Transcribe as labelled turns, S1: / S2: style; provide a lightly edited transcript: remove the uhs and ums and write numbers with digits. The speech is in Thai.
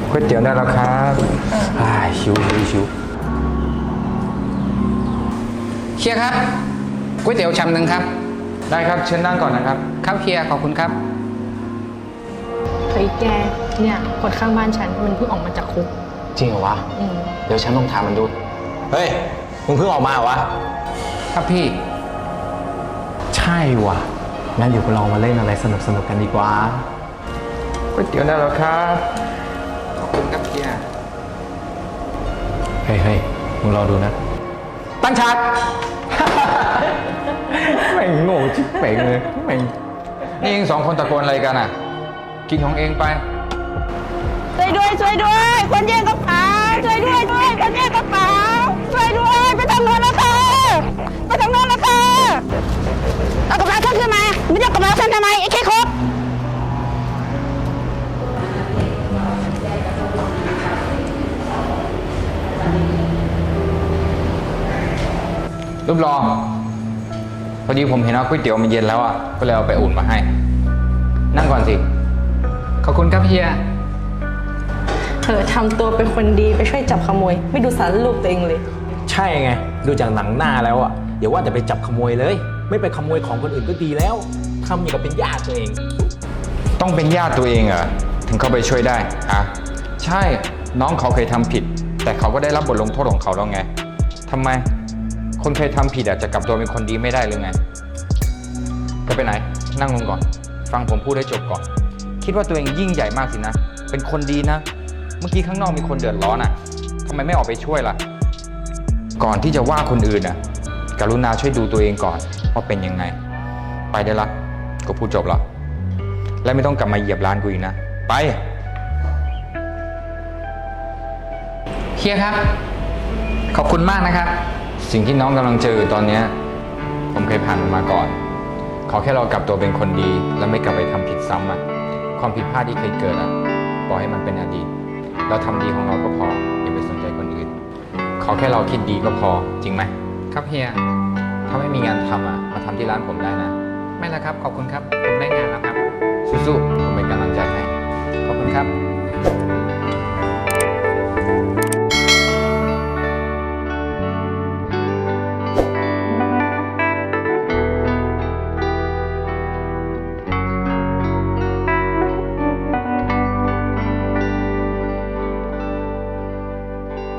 S1: ก๋วยเตี๋ยวได้แล้วครับชิว
S2: เฮียครับก๋วยเตี๋ยวชามหนึ่งครับ
S1: ได้ครับเชิญนั่งก่อนนะครับ
S2: ครับเฮียขอบคุณครับ
S3: เฮ้ยแกเนี่ยคนข้างบ้านฉันมันเพิ่งออกมาจากคุก
S4: จริงเหรอวะเดี๋ยวฉันลองถามมันดูเฮ้ยมึงเพิ่งออกมาเหรอวะ
S2: ครับพี่
S4: ใช่ว่ะงั้นเดี๋ยวเรามาเล่นอะไรสนุกกันดีกว่า
S1: ก๋วยเตี๋ยวได้แล้วครับ
S2: ขอบคุณครับเฮีย
S4: เฮ้ยมึงรอดูนะ
S1: ตั้งฉากแม่งโง่ชิบเป่งเลยแม่งนี่เองสองคนตะโกนอะไรกันอ่ะกินของเองไป
S5: ช่วยด้วยคนแย่งกระเป๋าช่วยด้วยคนแย่งกระเป๋าช่วยด้วยไปทางโน้นนะคะเอากระเป๋าฉันขึ้นมาไม่เอากระเป๋าฉันทำไมไอ้แค่ครบ
S1: รูปรอพอดีผมเห็นว่าก๋วยเตี๋ยวมันเย็นแล้วอ่ะก็เลยเอาไปอุ่นมาให้นั่งก่อนสิ
S2: ขอบคุณครับเฮีย
S3: ทำตัวเป็นคนดีไปช่วยจับขโมยไม่ดูสารรูปตัวเองเลย
S4: ใช่ไงดูจากหนังหน้าแล้วอ่ะอย่าว่าแต่ไปจับขโมยเลยไม่ไปขโมยของคนอื่นก็ดีแล้วทำอย่างกับเป็นญาติตัวเอง
S1: ต้องเป็นญาติตัวเองเหรอถึงเข้าไปช่วยได้ฮะใช่น้องเขาเคยทำผิดแต่เขาก็ได้รับบทลงโทษของเขาแล้วไงทำไมคนเคยทำผิดจะกลับตัวเป็นคนดีไม่ได้เลยไงจะไปไหนนั่งลงก่อนฟังผมพูดให้จบก่อนคิดว่าตัวเองยิ่งใหญ่มากสินะเป็นคนดีนะเมื่อกี้ข้างนอกมีคนเดือดร้อนทำไมไม่ออกไปช่วยล่ะก่อนที่จะว่าคนอื่นกรุณาช่วยดูตัวเองก่อนว่าเป็นยังไงไปได้ละก็พูดจบแล้วและไม่ต้องกลับมาเหยียบร้านกูอีกนะไป
S2: เฮียครับขอบคุณมากนะครับ
S1: สิ่งที่น้องกำลังเจอตอนนี้ผมเคยผ่านมันมาก่อนขอแค่เรากลับตัวเป็นคนดีและไม่กลับไปทำผิดซ้ำความผิดพลาดที่เคยเกิดปล่อยให้มันเป็นอดีตเราทำดีของเราก็พออย่าไปสนใจคนอื่นขอแค่เราคิดดีก็พอจริงไหม
S2: ครับเฮีย
S1: ถ้าไม่มีงานทำมาทำที่ร้านผมได้นะ
S2: ไม่ละครับขอบคุณครับผมได้งานแล้วครับ
S1: สู้ๆผมเป็นกำลังใจให้
S2: ขอบคุณครับ